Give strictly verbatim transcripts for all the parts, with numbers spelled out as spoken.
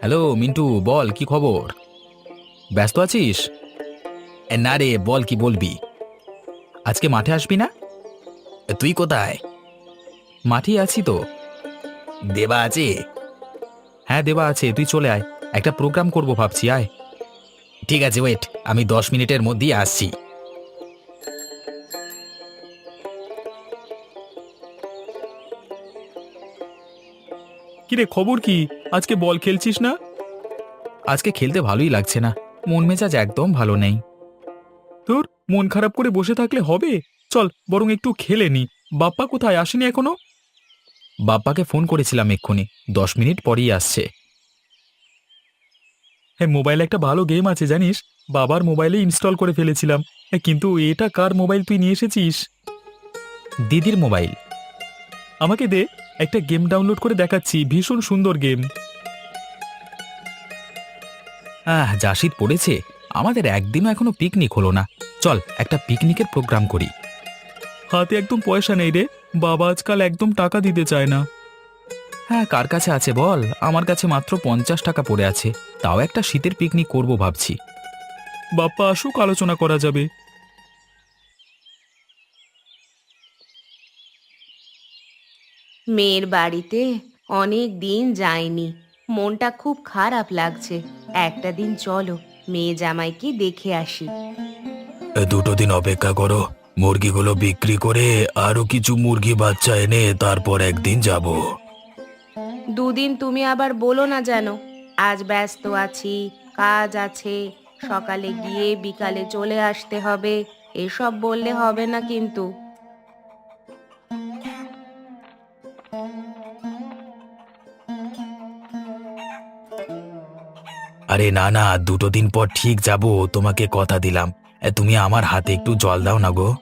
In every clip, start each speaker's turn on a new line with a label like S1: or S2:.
S1: Hello Mintu, বল কি খবর? ব্যস্ত আছিস? এ, না রে, বল কি বলবি? আজকে মাঠে আসবি না? এ, তুই কোথায়? মাঠেই আছি তো। দেবা আছে? হ্যাঁ, দেবা আছে, তুই চলে আয়। একটা প্রোগ্রাম করব ভাবছি, আয়। ঠিক আছে, ওয়েট, আমি দশ মিনিটের মধ্যেই আসছি।
S2: কিরে, খবর কি? আজকে বল খেলছিস না?
S1: আজকে খেলতে ভালোই লাগছে না, মন মেজাজ একদম ভালো নেই।
S2: তোর মন খারাপ করে বসে থাকলে হবে? চল বরং একটু খেলে নি। বাপ্পা কোথায়, আসেনি এখনো?
S1: বাপ্পাকে ফোন করেছিলাম এক্ষুনি, দশ মিনিট পরেই আসছে।
S2: হ্যাঁ, মোবাইলে একটা ভালো গেম আছে জানিস? বাবার মোবাইলে ইনস্টল করে ফেলেছিলাম। হ্যাঁ, কিন্তু এটা কার মোবাইল তুই নিয়ে এসেছিস?
S1: দিদির মোবাইল।
S2: আমাকে দে, একটা গেম ডাউনলোড করে দেখাচ্ছি, ভীষণ সুন্দর গেম।
S1: আহ, যা শীত পড়েছে, আমাদের একদিনও এখনো পিকনিক হলো না। চল একটা পিকনিকের প্রোগ্রাম করি।
S2: হাতে একদম পয়সা নেই রে, বাবা আজকাল একদম টাকা দিতে চায় না।
S1: হ্যাঁ, কার কাছে আছে বল? আমার কাছে মাত্র পঞ্চাশ টাকা পড়ে আছে, তাও একটা শীতের পিকনিক করব ভাবছি।
S2: বাপ্পা আসুক, আলোচনা করা যাবে।
S3: মেয়ের বাড়িতে অনেক দিন যায়নি, মনটা খুব খারাপ লাগছে। একটা দিন চলো, মেয়ে জামাইকে দেখে আসি।
S4: দুটো দিন অপেক্ষা করো, মুরগিগুলো বিক্রি করে আরো কিছু মুরগি বাচ্চা এনে তারপর একদিন যাব।
S3: দুদিন তুমি আবার বলো না যেন। আজ ব্যস্ত আছি, কাজ আছে, সকালে গিয়ে বিকালে চলে আসতে হবে, এসব বললে হবে না কিন্তু।
S4: আরে না না, দুটো দিন পর ঠিক যাব, তোমাকে কথা দিলাম। এ, তুমি আমার হাতে একটু জল দাও না গো।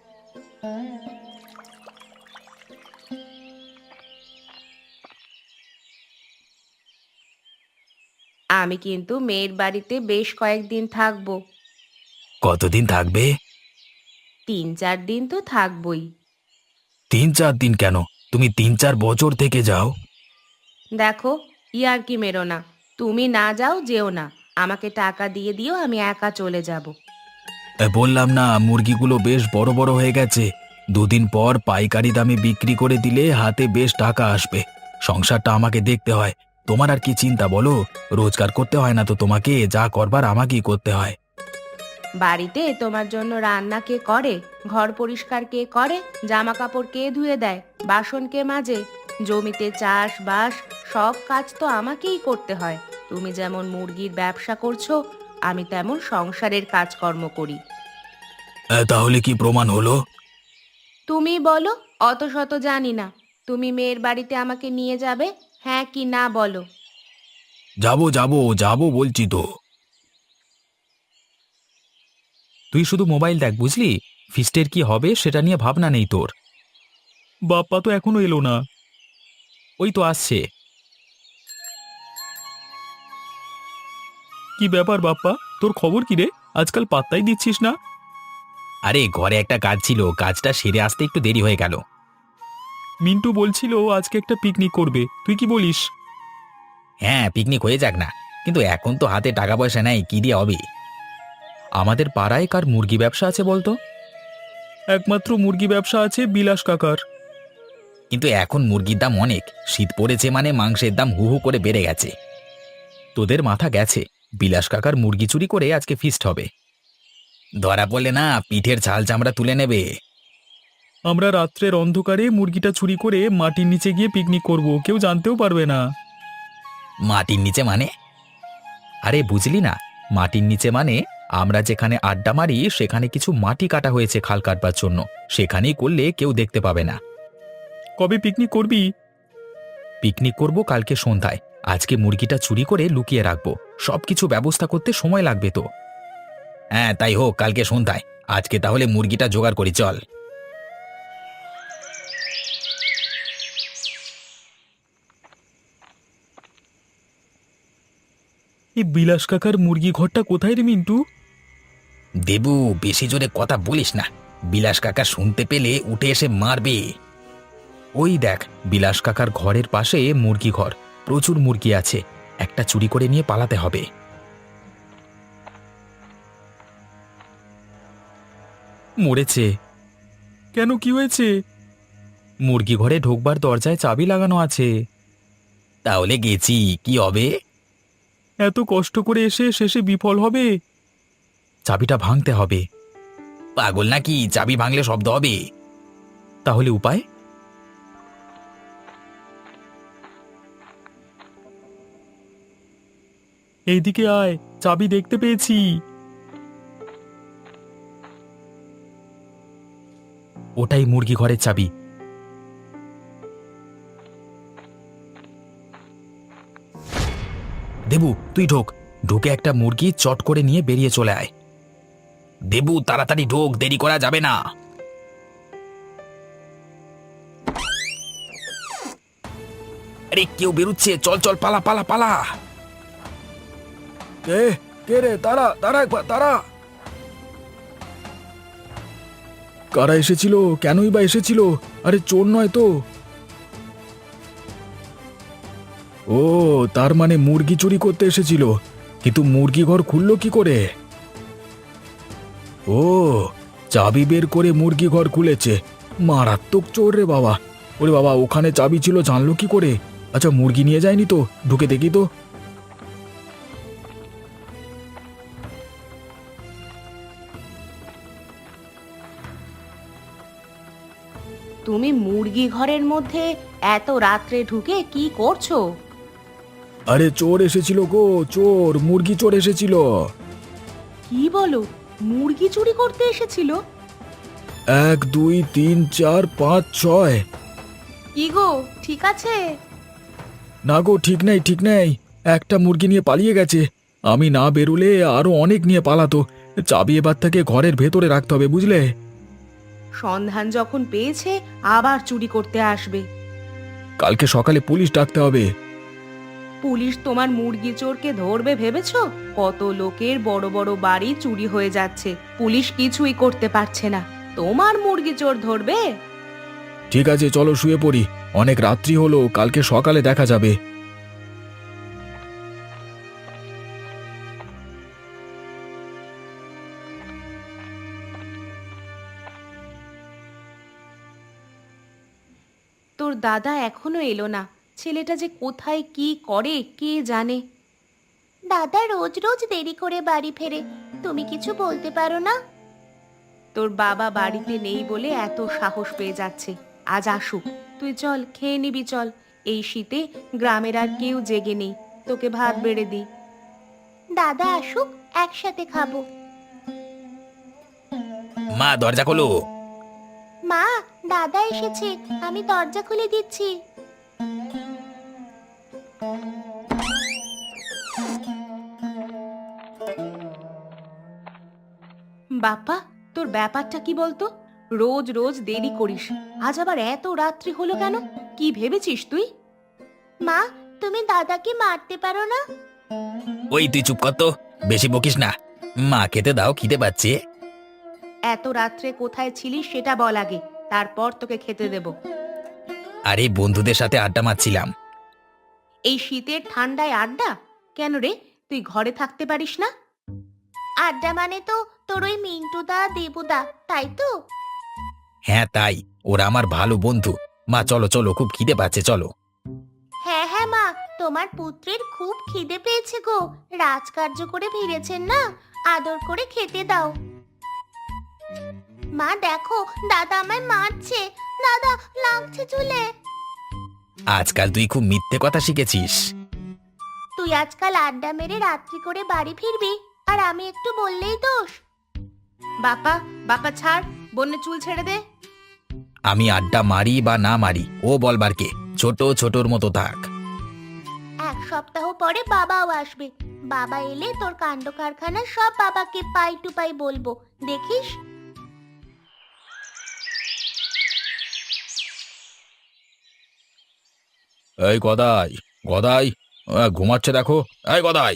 S3: আমি কিন্তু মেয়ের বাড়িতে বেশ কয়েকদিন থাকবো।
S4: কতদিন থাকবে?
S3: তিন চার দিন তো থাকবই।
S4: তিন চার দিন কেন? তুমি তিন চার বছর থেকে যাও।
S3: দেখো, ইয়ার কি মেরো না। তুমি না যাও, যেও না। আমাকে টাকা দিয়ে দিও, আমি একা চলে যাব।
S4: এ, বললাম না, মুরগিগুলো বেশ বড় বড় হয়ে গেছে। দুদিন পর পাইকারি দামে বিক্রি করে দিলে হাতে বেশ টাকা আসবে। সংসারটা আমাকে দেখতে হয়। তোমার আর কি চিন্তা বলো? রোজগার করতে হয় না তো তোমাকে, যা করবার আমাকেই করতে হয়।
S3: বাড়িতে তোমার জন্য রান্না কে করে? ঘর পরিষ্কার কে করে? জামা কাপড় কে ধুয়ে দেয়? বাসন কে মাজে? জমিতে চাষ বাস সব কাজ তো আমাকেই করতে হয়। তুমি যেমন মুরগির ব্যবসা করছো, আমি তেমন সংসারের কাজকর্ম করি।
S4: এ, তাহলে কি প্রমাণ হলো?
S3: তুমি বলো, অত শত জানি না। তুমি মেয়ের বাড়িতে আমাকে নিয়ে যাবে, হ্যাঁ কি না বলো।
S4: যাবো যাবো যাবো বলছি তো।
S1: তুই শুধু মোবাইল দেখ, বুঝলি? ফিস্টের কি হবে সেটা নিয়ে ভাবনা নেই তোর।
S2: বাপ্পা তো এখনো এলো না।
S1: ওই তো আসছে।
S2: কি ব্যাপার বাপ্পা, তোর খবর কি রে? আজকাল পাত্তাই দিচ্ছিস না।
S1: আরে, ঘরে একটা কাজ ছিল, কাজটা সেরে আসতে একটু দেরি হয়ে গেল।
S2: মিন্টু বলছিল আজকে একটা পিকনিক করবে, তুই কি বলিস?
S1: হ্যাঁ, পিকনিক হয়ে যাক না, কিন্তু এখন তো হাতে টাকা পয়সা নেই, কি দিয়ে হবে? আমাদের পাড়ায় কার মুরগি ব্যবসা আছে বলতো?
S2: একমাত্র মুরগি ব্যবসা আছে বিলাস কাকার।
S1: কিন্তু এখন মুরগির দাম অনেক, শীত পড়েছে মানে মাংসের দাম হু হু করে বেড়ে গেছে। তোদের মাথা গেছে, বিলাস কাকার মুরগি চুরি করে আজকে ফিস্ট হবে। ধরা পড়লে না, পিঠের ছাল চামড়া তুলে নেবে।
S2: আমরা রাত্রের অন্ধকারে মুরগিটা চুরি করে মাটির নিচে গিয়ে পিকনিক করব, কেউ জানতেও পারবে না।
S1: মাটির নিচে মানে? আরে বুঝলি না, মাটির নিচে মানে আমরা যেখানে আড্ডা মারি সেখানে কিছু মাটি কাটা হয়েছে খাল কাটবার জন্য, সেখানেই করলে কেউ দেখতে পাবে না।
S2: কবে পিকনিক করবি?
S1: পিকনিক করব কালকে সন্ধ্যায়। আজকে মুরগিটা চুরি করে লুকিয়ে রাখবো, সবকিছু ব্যবস্থা করতে সময় লাগবে তো। হ্যাঁ, তাই হোক, কালকে সন্ধ্যায়। আজকে তাহলে মুরগিটা জোগাড় করি, চল।
S2: এই বিলাস কাকার মুরগি ঘরটা কোথায় রে মিন্টু?
S1: দেবু, বেশি জোরে কথা বলিস না, বিলাস কাকা শুনতে পেলে উঠে এসে মারবে। ওই দেখ, বিলাস কাকার ঘরের পাশে মুরগি ঘর, প্রচুর মুরগি আছে। একটা চুরি করে নিয়ে পালাতে হবে।
S2: মরেছে। কেন, কি হয়েছে?
S1: মুরগি ঘরে ঢোকবার দরজায় চাবি লাগানো আছে। তাহলে গেছি, কি হবে?
S2: এত কষ্ট করে এসে শেষে বিফল হবে?
S1: চাবিটা ভাঙতে হবে। পাগল নাকি, চাবি ভাঙলে শব্দ হবে। তাহলে উপায়?
S2: এইদিকে আয়, চাবি দেখতে পেয়েছি।
S1: ওটাই মুরগি ঘরের চাবি। দেবু, তুই ঢোক। ঢুকে একটা মুরগি চট করে নিয়ে বেরিয়ে চলে আয়। দেবু, তাড়াতাড়ি ঢোক, দেরি করা যাবে না। আরে কেউ বেরুচ্ছে, চল চল, পালা পালা পালা।
S4: কে কে রে? তারা তারা একবার তারা। কারা এসেছিল? কেনই বা এসেছিল? আরে চোর নয় তো? ও, তার মানে মুরগি চুরি করতে এসেছিল। কিন্তু মুরগি ঘর খুললো কি করে? ও, চাবি বের করে মুরগি ঘর খুলেছে। মারাত্মক চোর রে বাবা। ওরে বাবা, ওখানে চাবি ছিল জানলো কি করে? আচ্ছা, মুরগি নিয়ে যায়নি তো? ঢুকে দেখি তো।
S3: তুমি মুরগি ঘরের মধ্যে এত রাত্রে ঢুকে কি করছো?
S4: আরে চোর এসেছিল গো, চোর, মুরগি চোর এসেছিল।
S3: কি বলো, মুরগি চুরি করতে এসেছিল?
S4: এক দুই তিন চার পাঁচ ছয়।
S3: কি গো, ঠিক আছে?
S4: না গো, ঠিক নেই, ঠিক নেই। একটা মুরগি নিয়ে পালিয়ে গেছে। আমি না বেরুলে আরো অনেক নিয়ে পালাতো। চাবি এবার থেকে ঘরের ভেতরে রাখতে হবে, বুঝলে?
S3: সন্ধান যখন পেয়েছে আবার চুরি করতে আসবে।
S4: কালকে সকালে পুলিশ ডাকতে হবে।
S3: পুলিশ তোমার মুরগি চোরকে ধরবে ভেবেছো? কত লোকের বড় বড় বাড়ি চুরি হয়ে যাচ্ছে, পুলিশ কিছুই করতে পারছে না, তোমার মুরগি চোর ধরবে?
S4: ঠিক আছে, চলো শুয়ে পড়ি। অনেক রাত্রি হলো, কালকে সকালে দেখা যাবে।
S3: তোর দাদা এখনো এলো না, ছেলেটা যে কোথায় কি করে কে জানে। দাদা রোজ রোজ দেরি করে বাড়ি ফেরে, তুমি কিছু বলতে পারো না? তোর বাবা বাড়িতে নেই বলে এত সাহস পেয়ে যাচ্ছে, আজ আসুক। তুই চল, খেয়ে নিবি চল। এই শীতে গ্রামের আর কেউ জেগে নেই, তোকে ভাত বেড়ে দি। দাদা আসুক, একসাথে খাবো।
S1: মা, দরজা খোলো।
S3: মা, দাদা এসেছে, আমি দরজা খুলে দিচ্ছি। বাপ্পা, তোর ব্যাপারটা কি বলতো? রোজ রোজ দেরি করিস, আজ আবার এত রাত্রি হলো কেন? কি ভেবেছিস তুই? মা, তুমি দাদাকে মারতে পারো না?
S1: ওই তুই চুপ কর তো, বেশি বকিস না। মা, খেতে দাও, খিদে পাচ্ছে।
S3: এত রাত্রে কোথায় ছিলিস সেটা বল আগে, তারপর তোকে খেতে দেব।
S1: আরে বন্ধুদের সাথে আড্ডা মারছিলাম।
S3: এই শীতের ঠান্ডায় আড্ডা? কেন রে, তুই ঘরে থাকতে পারিস না? আড্ডা মানে তো তোর ওই মিন্টুদা দেবুদা, তাই তো?
S1: হ্যাঁ তাই, ওরা আমার ভালো বন্ধু। মা চলো চলো, খুব খিদে পাচ্ছে, চলো।
S3: হ্যাঁ হ্যাঁ মা, তোমার পুত্রের খুব খিদে পেয়েছে গো, রাজকার্য করে ফিরেছেন না, আদর করে খেতে দাও। মা দেখো, দাদা আমায় মারছে, দাদা লাগছে চুলে।
S1: আজকাল তুই খুব মিথ্যে কথা শিখেছিস।
S3: তুই আজকাল আড্ডা মেরে রাত্রি করে বাড়ি ফিরবি, আর আমি একটু বললেই দোষ। বাপা, বাপা ছাড়, বন্যে চুল ছেড়ে দে।
S1: আমি আড্ডা মারি বা না মারি, ও বলবার কে? ছোট ছোটর মতো থাক।
S3: এক সপ্তাহ পরে বাবাও আসবে, বাবা এলে তোর কাণ্ড কারখানা সব বাবাকে পাই টু পাই বলবো, দেখিস।
S4: এই গদাই, গদাই, আহ, ঘুমাচ্ছে দেখো। এই গদাই।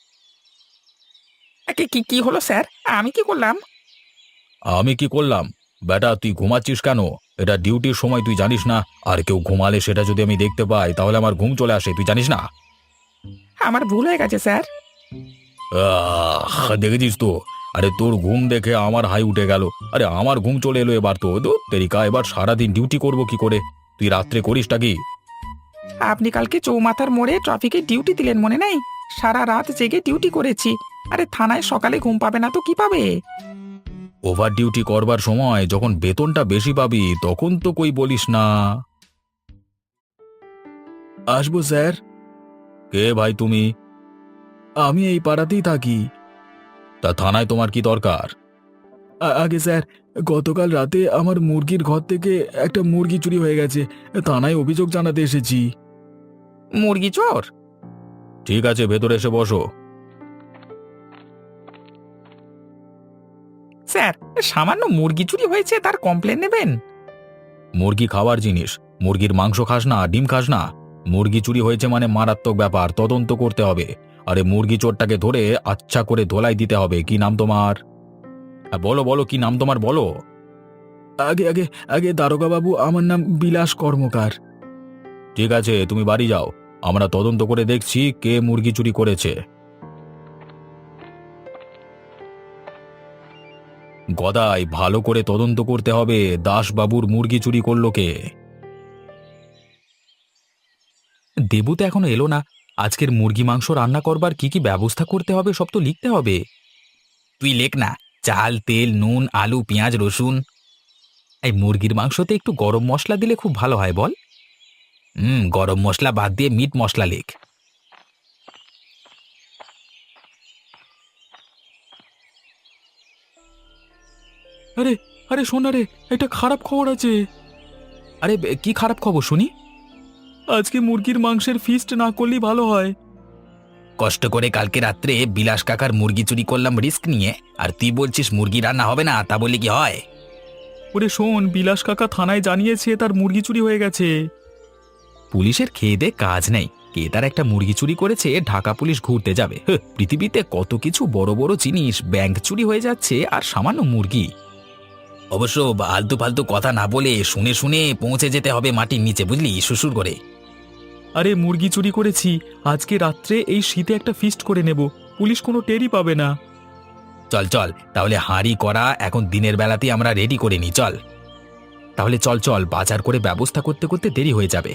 S1: কি কি কি হলো স্যার? আমি কি করলাম?
S4: আমি কি করলাম? বেটা তুই ঘুমাচ্ছিস কেন? এটা ডিউটির সময়, তুই জানিস না? আর কেউ ঘুমালে সেটা যদি আমি দেখতে পাই তাহলে আমার ঘুম চলে আসে, তুই জানিস না?
S2: আমার ভুল হয়ে গেছে স্যার।
S4: আহ, দেখেছিস তো? আরে তোর ঘুম দেখে আমার হাই উঠে গেল। আরে আমার ঘুম চলে এলো এবার তো। তো তেরিকা, এবার সারাদিন ডিউটি করব কি করে? তুই রাত্রে করিসটা কি?
S2: আপনি কালকে চৌমাথার মোড়ে ট্রাফিকে ডিউটি দিলেন, মনে নেই? সারা রাত জেগে ডিউটি করেছি। আরে থানায় সকালে ঘুম পাবে না তো কি পাবে?
S4: ওভার ডিউটি করবার সময় যখন বেতনটা বেশি পাবি তখন তো কই বলিস না। আসবো স্যার। কে ভাই তুমি? আমি এই পাড়াতেই থাকি। তা থানায় তোমার কি দরকার? আগে স্যার, গতকাল রাতে আমার মুরগির ঘর থেকে একটা মুরগি চুরি হয়ে গেছে। থানায় অভিযোগ জানাতে এসেছি।
S2: মুরগি চোর?
S4: ঠিক আছে, ভেতরে এসে বসো।
S2: স্যার, সামান্য মুরগি চুরি হয়েছে, তার কমপ্লেন নেবেন?
S4: মুরগি খাওয়ার জিনিস, মুরগির মাংস খাস না, ডিম খাস না? মুরগি চুরি হয়েছে মানে মারাত্মক ব্যাপার, তদন্ত করতে হবে। আরে মুরগি চোরটাকে ধরে আচ্ছা করে ধোলাই দিতে হবে। কি নাম তোমার? আ, বলো বলো, কি নাম তোমার বলো। আগে আগে আগে দারোগা বাবু, আমার নাম বিলাস কর্মকার। ঠিক আছে, তুমি বাড়ি যাও, আমরা তদন্ত করে দেখছি কে মুরগি চুরি করেছে। গদাই, ভালো করে তদন্ত করতে হবে, দাসবাবুর মুরগি চুরি করলো কে।
S1: দেবু তো এখনো এলো না। আজকের মুরগি মাংস রান্না করবার কি কি ব্যবস্থা করতে হবে সব তো লিখতে হবে। তুই লেখ না, চাল, তেল, নুন, আলু, পেঁয়াজ, রসুন। এই মুরগির মাংসতে একটু গরম মশলা দিলে খুব ভালো হয় বল। হুম, গরম মশলা বাদ দিয়ে মিট মশলা লেখ।
S2: আরে আরে শোন না রে, একটা খারাপ খবর আছে।
S1: আরে বে, কি খারাপ খবর শুনি?
S2: আজকে মুরগির মাংসের ফিস্ট না করলেই ভালো হয়।
S1: কষ্ট করে কালকে রাত্রে বিলাস কাকার মুরগি চুরি করলাম রিস্ক নিয়ে, আর তুই বলছিস মুরগি রান্না হবে না? তা বলি কি হয়?
S2: ওরে শোন, বিলাস কাকা থানায় জানিয়েছে তার মুরগি চুরি হয়ে গেছে।
S1: পুলিশের খেয়ে দে কাজ নেই, কে তার একটা মুরগি চুরি করেছে ঢাকা পুলিশ ঘুরতে যাবে? হ্যাঁ, পৃথিবীতে কত কিছু বড় বড় জিনিস, ব্যাংক চুরি হয়ে যাচ্ছে আর সামান্য মুরগি। অবশ্য আলতু ফালতু কথা না বলে শুনে শুনে পৌঁছে যেতে হবে মাটির নিচে, বুঝলি, শ্বশুর করে।
S2: আরে মুরগি চুরি করেছি, আজকে রাত্রে এই শীতে একটা ফিস্ট করে নেব, পুলিশ কোনো টেরই পাবে না।
S1: চল চল, তাহলে হাঁড়ি করা এখন দিনের বেলাতেই আমরা রেডি করে নিই, চল। তাহলে চল চল, বাজার করে ব্যবস্থা করতে করতে দেরি হয়ে যাবে।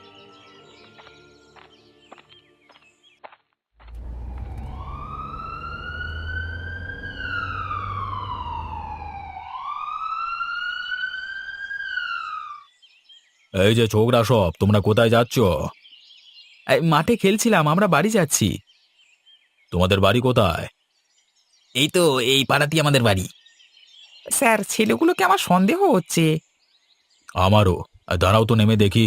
S4: এই যে ছোকরা সব, তোমরা কোথায় যাচ্ছ?
S1: এই, মাঠে খেলছিলাম, আমরা বাড়ি যাচ্ছি।
S4: তোমাদের বাড়ি কোথায়?
S1: এই তো এই পাড়াতেই আমাদের বাড়ি।
S2: স্যার, ছেলেগুলোকে আমার সন্দেহ হচ্ছে।
S4: আমারও। আর দাঁড়াও তো, নেমে দেখি।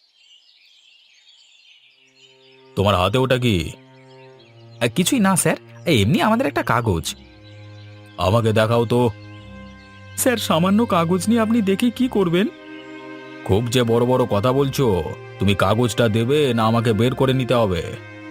S4: তোমার হাতে ওটা কি?
S1: আহ, কিছুই না স্যার, এই এমনি আমাদের একটা কাগজ।
S4: আমাকে দেখাও তো।
S2: স্যার, সামান্য কাগজ নিয়ে আপনি দেখে কি করবেন?
S4: খুব যে বড় বড় কথা বলছো, তুমি কাগজটা দেবে না আমাকে বের করে নিতে হবে?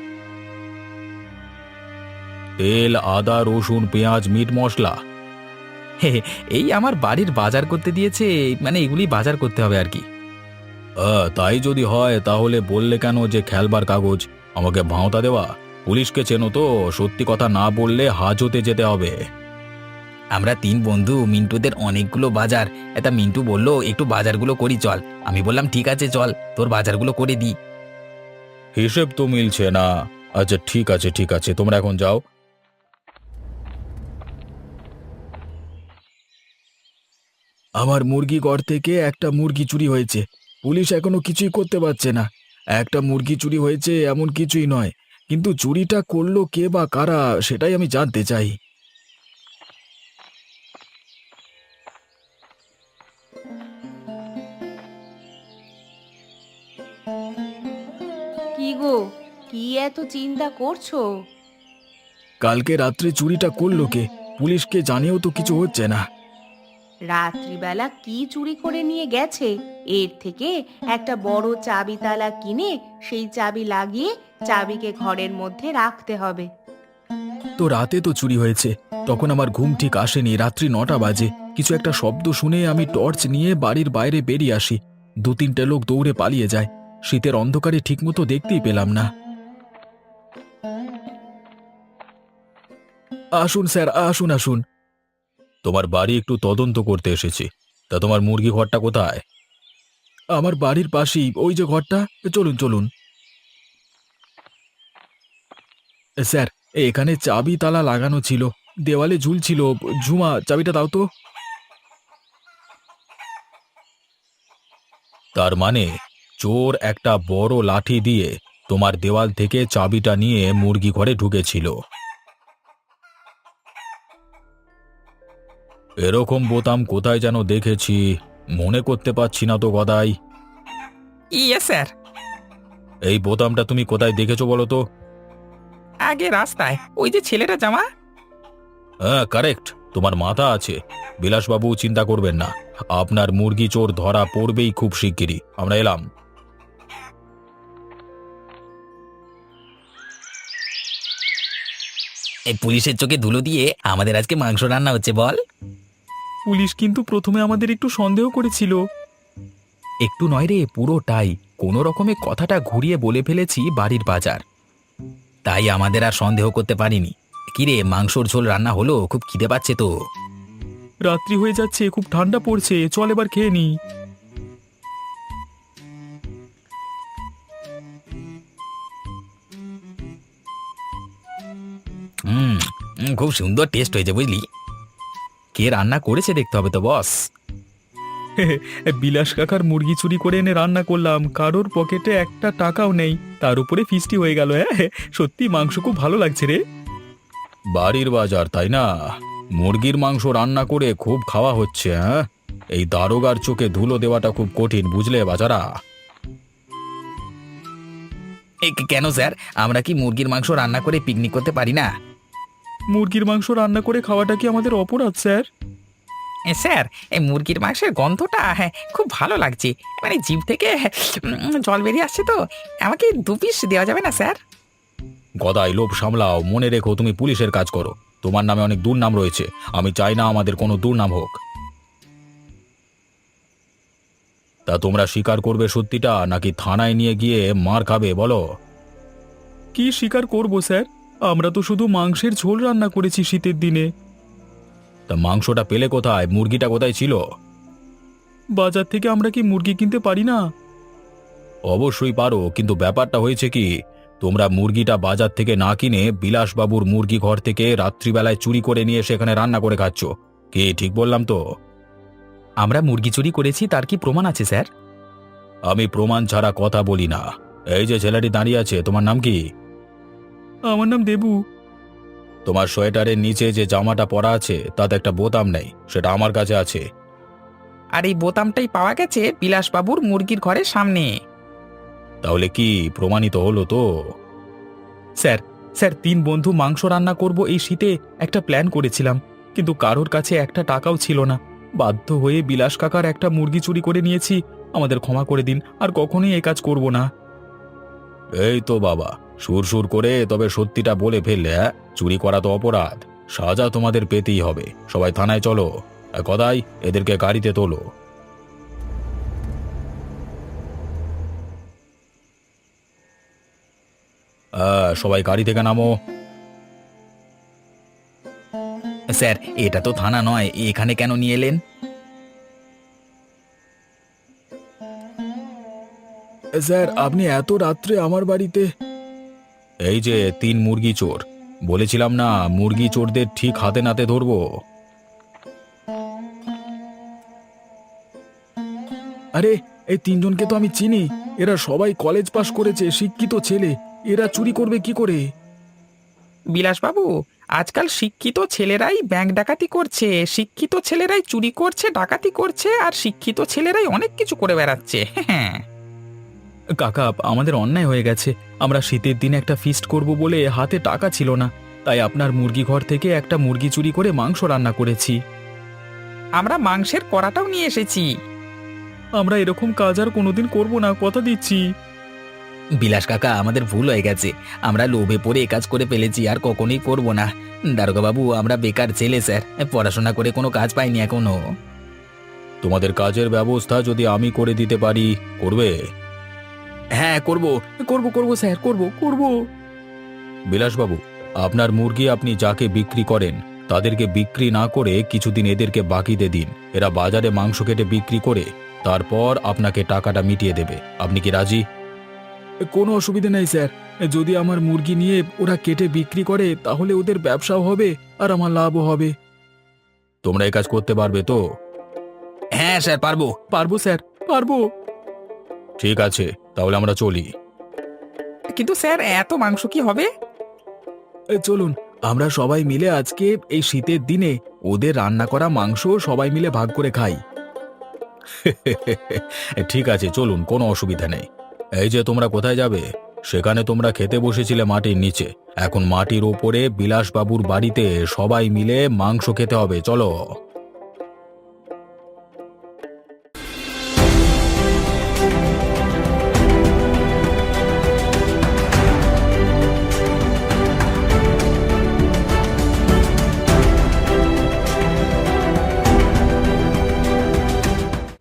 S4: তেল, আদা, রসুন, পেঁয়াজ, মিট মশলা।
S1: হে হে, এই আমার বাড়ির বাজার করতে দিয়েছে, মানে এগুলি বাজার করতে হবে আর কি।
S4: আহ, তাই যদি হয় তাহলে বললে কেন যে খেলবার কাগজ? আমাকে ভাঁওতা দেওয়া? পুলিশকে চেনো তো, সত্যি কথা না বললে হাজতে যেতে হবে।
S1: আমরা তিন বন্ধু, মিন্টুদের অনেকগুলো বাজার। এটা মিন্টু বললো একটু বাজারগুলো করি চল, আমি বললাম ঠিক আছে চল, তোর বাজারগুলো করে দিই।
S4: হিসেব তো মিলছে না। আচ্ছা ঠিক আছে ঠিক আছে, তোমরা এখন যাও। আমার মুরগি ঘর থেকে একটা মুরগি চুরি হয়েছে, পুলিশ এখনো কিছুই করতে পারছে না। একটা মুরগি চুরি হয়েছে এমন কিছুই নয়, কিন্তু চুরিটা করলো কে বা কারা সেটাই আমি জানতে চাই।
S3: কি গো, কি এত চিন্তা করছো?
S4: কালকে রাত্রে চুরিটা করলো কে? পুলিশকে জানিয়েও তো কিছু হচ্ছে না।
S3: রাত্রিবেলা কি চুরি করে নিয়ে গেছে? এর থেকে একটা বড় চাবি তালা কিনে সেই চাবি লাগিয়ে চাবিকে ঘরের মধ্যে রাখতে হবে।
S4: তো রাতে তো চুরি হয়েছে, তখন আমার ঘুম ঠিক আসেনি। রাত্রি নটা বাজে, কিছু একটা শব্দ শুনে আমি টর্চ নিয়ে বাড়ির বাইরে বেরিয়ে আসি। দু তিনটে লোক দৌড়ে পালিয়ে যায়। শীতের অন্ধকারে ঠিকমতো দেখতেই পেলাম না। আসুন স্যার, আসুন আসুন। তোমার বাড়ি একটু তদন্ত করতে এসেছি। তা তোমার মুরগি ঘরটা কোথায়? আমার বাড়ির পাশেই, ওই যে ঘরটা। চলুন চলুন। স্যার, এখানে চাবি তালা লাগানো ছিল, দেওয়ালে ঝুলছিল। ঝুমা, চাবিটা দাও তো। তার মানে চোর একটা বড় লাঠি দিয়ে তোমার দেওয়াল থেকে চাবিটা নিয়ে মুরগি ঘরে ঢুকেছিল। এরকম বোতাম কোথায় যেন দেখেছি, মনে করতে পারছি না তো গদাই।
S2: ইয়ে স্যার,
S4: এই বোতামটা তুমি কোথায় দেখেছো বলো তো?
S2: আগে রাস্তায় ওই যে ছেলেটা জামা।
S4: হ্যাঁ, কারেক্ট, তোমার মাথা আছে। বিলাসবাবু, চিন্তা করবেন না, আপনার মুরগি চোর ধরা পড়বেই খুব শিগগিরই। আমরা এলাম।
S1: এই পুলিশের চোখে ধুলো দিয়ে আমাদের আজকে মাংস রান্না হচ্ছে বল।
S2: পুলিশ কিন্তু প্রথমে আমাদের একটু সন্দেহ করেছিল।
S1: একটু নয় রে, পুরোটাই। কোনো রকমে কথাটা ঘুরিয়ে বলে ফেলেছি বাড়ির বাজার, তাই আমাদের আর সন্দেহ করতে পারিনি। কিরে, মাংসর ঝোল রান্না হলো? খুব খিদে পাচ্ছে তো।
S2: রাত্রি হয়ে যাচ্ছে, খুব ঠান্ডা পড়ছে, চল এবার খেয়ে নি।
S1: হুম হুম, খুব সুন্দর টেস্ট হয়েছে বুঝলি। কে রান্না করেছে দেখতে হবে তো বস।
S2: বিলাস কাকার মুরগি চুরি করে এনে রান্না করলাম, কারোর পকেটে একটা টাকাও নেই, তার উপরে ফিস্টি হয়ে গেল। হ্যাঁ, সত্যি মাংস খুব ভালো লাগছে রে।
S4: বাড়ির বাজার, তাই না? মুরগির মাংস রান্না করে খুব খাওয়া হচ্ছে। হ্যাঁ, এই দারোগার চোখে ধুলো দেওয়াটা খুব কঠিন, বুঝলে বাজারা?
S1: এ, কেন স্যার, আমরা কি মুরগির মাংস রান্না করে পিকনিক করতে পারি না?
S2: মুরগির মাংস রান্না করে খাওয়াটা কি আমাদের অপরাধ স্যার?
S5: স্যার, এই মুরগির মাংসের গন্ধটা হ্যাঁ খুব ভালো লাগছে, মানে জিভ থেকে উম, জল বেরিয়ে আসছে। তো আমাকে দু পিস দেওয়া যাবে না স্যার?
S4: গদাই, লোভ সামলাও। মনে রেখো, তুমি পুলিশের কাজ করো, তোমার নামে অনেক দুর্নাম রয়েছে। আমি চাই না আমাদের কোনো দুর্নাম হোক। তা তোমরা স্বীকার করবে সত্যিটা, নাকি থানায় নিয়ে গিয়ে মার খাবে বলো?
S2: কি স্বীকার করব স্যার, আমরা তো শুধু মাংসের ঝোল রান্না করেছি শীতের দিনে।
S4: তা মাংসটা পেলে কোথায়? মুরগিটা কোথায় ছিল?
S2: বাজার থেকে আমরা কি মুরগি কিনতে পারি না?
S4: অবশ্যই পারো, কিন্তু ব্যাপারটা হয়েছে কি, তোমরা মুরগিটা বাজার থেকে না কিনে বিলাসবাবুর মুরগি ঘর থেকে রাত্রিবেলায় চুরি করে নিয়ে সেখানে রান্না করে খাচ্ছ। কি ঠিক বললাম তো?
S1: আমরা মুরগি চুরি করেছি, তার কি প্রমাণ আছে স্যার?
S4: আমি প্রমাণ ছাড়া কথা বলি না। এই যে ছেলেটি দাঁড়িয়ে আছে, তোমার নাম কি?
S2: আমার নাম দেবু।
S4: তোমার সোয়েটারের নিচে যে জামাটা পরা আছে তাতে একটা বোতাম নেই, সেটা আমার কাছে আছে।
S5: আর এই বোতামটাই পাওয়া গেছে বিলাসবাবুর মুরগির ঘরের সামনে।
S4: তাহলে কি প্রমাণিত হলো তো?
S2: স্যার, স্যার তিন বন্ধু মাংস রান্না করব এই শীতে একটা প্ল্যান করেছিলাম, কিন্তু কারোর কাছে একটা টাকাও ছিল না। বাধ্য হয়ে বিলাস কাকার একটা মুরগি চুরি করে নিয়েছি। আমাদের ক্ষমা করে দিন, আর কখনোই এই কাজ করব না।
S4: এই তো বাবা, সুর সুর করে তবে সত্যিটা বলে ফেললে। হ্যাঁ, চুরি করা তো অপরাধ, সাজা তোমাদের পেতেই হবে। সবাই থানায় চলো। আর গদাই, এদেরকে গাড়িতে তোলো। আহ, সবাই গাড়ি থেকে নামো।
S1: স্যার, এটা তো থানা নয়, এখানে কেন নিয়ে এলেন?
S4: স্যার, আপনি এত রাত্রে আমার বাড়িতে? এই যে তিন মুরগি চোর, বলেছিলাম না মুরগি চোরদের ঠিক হাতে নাতে ধরবো। আরে, এই তিনজনকে তো আমি চিনি। এরা সবাই কলেজ পাশ করেছে, শিক্ষিত ছেলে। এরা চুরি করবে কি করে?
S5: বিলাসবাবু, আজকাল শিক্ষিত ছেলেরাই ব্যাংক ডাকাতি করছে, শিক্ষিত ছেলেরাই চুরি করছে, ডাকাতি করছে, আর শিক্ষিত ছেলেরাই অনেক কিছু করে বেড়াচ্ছে। হ্যাঁ,
S2: কাকা, আমাদের অন্যায় হয়ে গেছে। আমরা শীতের দিনে একটা ফিস্ট করব বলে হাতে টাকা ছিল না, তাই আপনার মুরগি ঘর থেকে একটা মুরগি চুরি করে মাংস রান্না করেছি।
S5: আমরা মাংসের কড়াটাও নিয়ে এসেছি।
S2: আমরা এরকম কাজ আর কোনোদিন করব না, কথা দিচ্ছি।
S1: বিলাস কাকা, আমাদের ভুল হয়ে গেছে। আমরা লোভে পড়ে এ কাজ করে ফেলেছি, আর কখনোই করবো না। দারোগা বাবু, আমরা বেকার ছেলে স্যার, পড়াশোনা করে কোনো কাজ পাইনি এখনো।
S2: তোমাদের কাজের ব্যবস্থা যদি আমি করে দিতে পারি, করবে?
S1: হ্যাঁ, করব করব করব স্যার, করব করব।
S2: বিলাসবাবু, আপনার মুরগি আপনি যাকে বিক্রি করেন তাদেরকে বিক্রি না করে কিছুদিন এদেরকে বাকিতে দিন। এরা বাজারে মাংস কেটে বিক্রি করে তারপর আপনাকে টাকাটা মিটিয়ে দেবে। আপনি কি রাজি? কোনো অসুবিধা নেই স্যার। যদি আমার মুরগি নিয়ে ওরা কেটে বিক্রি করে তাহলে ওদের ব্যবসাও হবে আর আমার লাভও হবে। তোমরা এই কাজ করতে পারবে তো?
S1: হ্যাঁ স্যার, পারবো।
S2: পারবো স্যার, পারবো। ঠিক আছে, তাহলে আমরা চলি।
S5: কিন্তু স্যার, এত মাংস কি হবে?
S2: এ, চলুন আমরা সবাই মিলে আজকে এই শীতের দিনে ওদের রান্না করা মাংস সবাই মিলে ভাগ করে খাই। ঠিক আছে, চলুন, কোনো অসুবিধা নেই। এই যে তোমরা কোথায় যাবে? সেখানে তোমরা খেতে বসেছিলে মাটির নিচে, এখন মাটির ওপরে বিলাসবাবুর বাড়িতে সবাই মিলে মাংস খেতে হবে। চলো।